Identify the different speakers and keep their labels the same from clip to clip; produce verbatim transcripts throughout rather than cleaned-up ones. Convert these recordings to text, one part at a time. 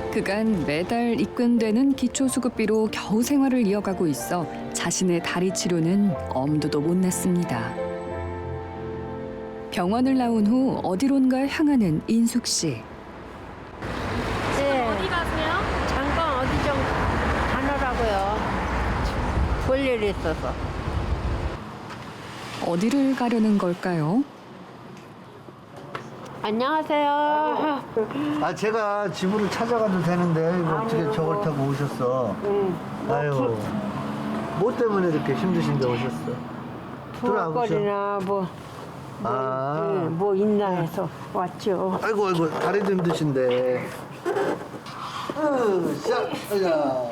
Speaker 1: 그간 매달 입금되는 기초수급비로 겨우 생활을 이어가고 있어 자신의 다리 치료는 엄두도 못 냈습니다. 병원을 나온 후 어디론가 향하는 인숙 씨.
Speaker 2: 네,
Speaker 3: 어디 가세요?
Speaker 2: 잠깐 어디 좀 가느라고요. 볼 일이 있어서.
Speaker 1: 어디를 가려는 걸까요?
Speaker 2: 안녕하세요.
Speaker 4: 아 제가 집으로 찾아가도 되는데 이거 어떻게
Speaker 2: 아니요,
Speaker 4: 저걸
Speaker 2: 뭐.
Speaker 4: 타고 오셨어?
Speaker 2: 응.
Speaker 4: 아유 뭐 때문에 이렇게 힘드신데 오셨어?
Speaker 2: 부엌거리나 뭐, 뭐,
Speaker 4: 아.
Speaker 2: 응, 뭐 있나 해서 왔죠.
Speaker 4: 아이고 아이고 다리도 힘드신데. 으, 자, 자.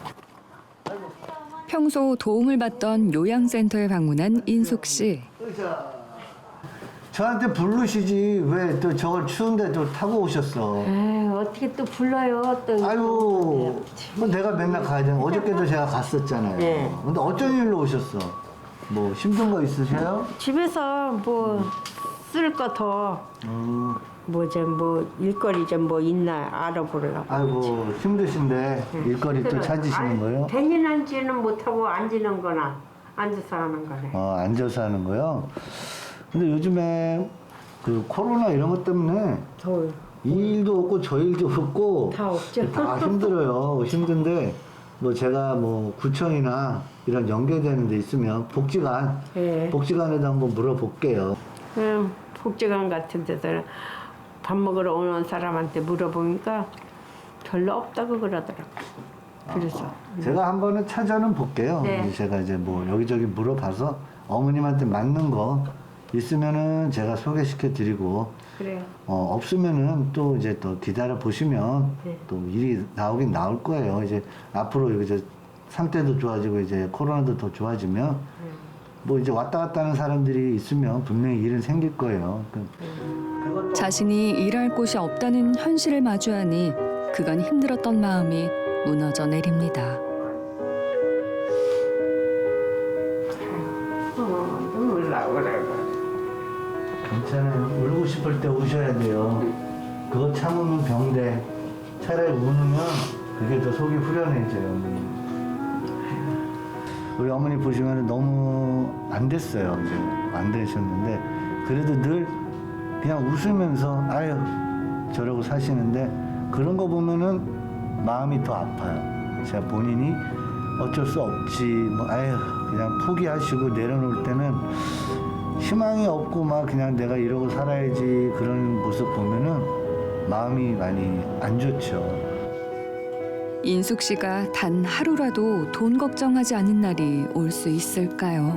Speaker 1: 평소 도움을 받던 요양센터에 방문한 인숙 씨.
Speaker 4: 으쌰. 저한테 부르시지 왜 또 저걸 추운데 또 타고 오셨어?
Speaker 2: 에이, 어떻게 또 불러요? 또.
Speaker 4: 아유, 뭐 내가 맨날 가야 되는 어저께도 제가 갔었잖아요.
Speaker 2: 네.
Speaker 4: 근데 어쩐 일로 오셨어? 뭐 힘든 거 있으세요?
Speaker 2: 집에서 뭐 쓸 거 더,
Speaker 4: 음,
Speaker 2: 뭐 좀 뭐 일거리 좀 뭐 있나 알아보려고.
Speaker 4: 아이고 힘드신데 일거리 또 찾으시는 거예요?
Speaker 2: 대인한지는 못하고 앉는 거나 앉아서 하는 거네.
Speaker 4: 어, 앉아서 하는 거요? 근데 요즘에 그 코로나 이런 것 때문에
Speaker 2: 더워요.
Speaker 4: 이 일도 없고 저 일도 없고
Speaker 2: 다 없죠.
Speaker 4: 다 힘들어요. 힘든데 뭐 제가 뭐 구청이나 이런 연계되는 데 있으면 복지관
Speaker 2: 예.
Speaker 4: 복지관에도 한번 물어볼게요.
Speaker 2: 음, 복지관 같은 데서 밥 먹으러 오는 사람한테 물어보니까 별로 없다고 그러더라고. 그래서
Speaker 4: 제가 한번은 찾아는 볼게요.
Speaker 2: 네.
Speaker 4: 이제 제가 이제 뭐 여기저기 물어봐서 어머님한테 맞는 거 있으면은 제가 소개시켜 드리고
Speaker 2: 그래요.
Speaker 4: 어, 없으면은 또 이제 또 기다려 보시면
Speaker 2: 네.
Speaker 4: 또 일이 나오긴 나올 거예요. 이제 앞으로 이제 상태도 좋아지고 이제 코로나도 더 좋아지면 뭐 이제 왔다 갔다 하는 사람들이 있으면 분명히 일은 생길 거예요. 그-
Speaker 1: 자신이 일할 곳이 없다는 현실을 마주하니 그간 힘들었던 마음이 무너져 내립니다.
Speaker 2: 어, 눈물 나오라고.
Speaker 4: 괜찮아요. 울고 싶을 때 우셔야 돼요. 그거 참으면 병돼. 차라리 우는 그게 더 속이 후련해져요. 우리 어머니 보시면 너무 안 됐어요. 이제 안 되셨는데 그래도 늘 그냥 웃으면서 아유 저러고 사시는데 그런 거 보면은 마음이 더 아파요. 제가 본인이 어쩔 수 없지 뭐 아유 그냥 포기하시고 내려놓을 때는 희망이 없고 막 그냥 내가 이러고 살아야지 그런 모습 보면은 마음이 많이 안 좋죠.
Speaker 1: 인숙 씨가 단 하루라도 돈 걱정하지 않은 날이 올 수 있을까요?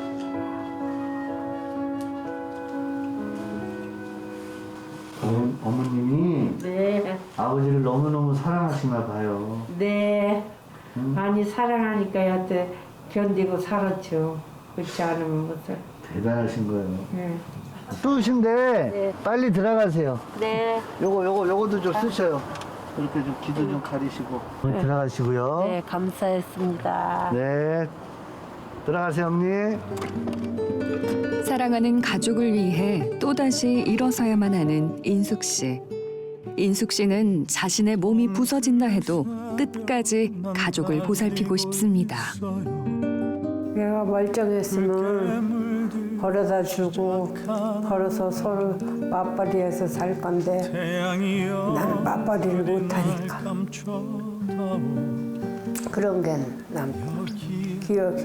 Speaker 4: 어, 어머님이
Speaker 2: 네,
Speaker 4: 아버지를 너무너무 사랑하시나 봐요.
Speaker 2: 네.
Speaker 4: 음.
Speaker 2: 많이 사랑하니까 여태 견디고 살았죠. 그렇지 않으면 무슨.
Speaker 4: 대단하신 거예요.
Speaker 2: 네.
Speaker 4: 또,신데
Speaker 2: 네.
Speaker 4: 빨리 들어가세요.
Speaker 2: 네.
Speaker 4: 요거 요거 요거도 좀 쓰셔요. 이렇게 좀 기도 좀 가리시고 들어가시고요.
Speaker 2: 네, 감사했습니다.
Speaker 4: 네. 들어가세요, 어머니.
Speaker 1: 사랑하는 가족을 위해 또다시 일어서야만 하는 인숙 씨. 인숙 씨는 자신의 몸이 부서진다 해도 끝까지 가족을 보살피고 싶습니다.
Speaker 2: 내가 멀쩡했으면 벌어다 주고 벌어서 서로 맞벌이해서 살 건데 나는 맞벌이를 못하니까 그런 게 남고 기억이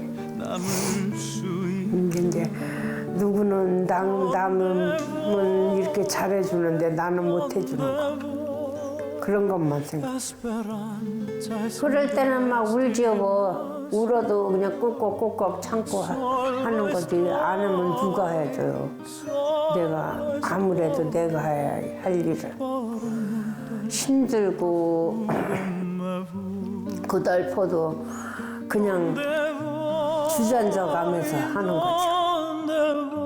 Speaker 2: 이제 누구는 남, 남은 이렇게 잘해주는데 나는 못해주는 거 그런 것만 생각. 그럴 때는 막 울지요 뭐 울어도 그냥 꾹꾹꾹꾹 참고 하, 하는 거지 안 하면 누가 해줘요. 내가 아무래도 내가 해야 할 일을 힘들고 고달퍼도 그냥 주저앉아 가면서 하는 거죠.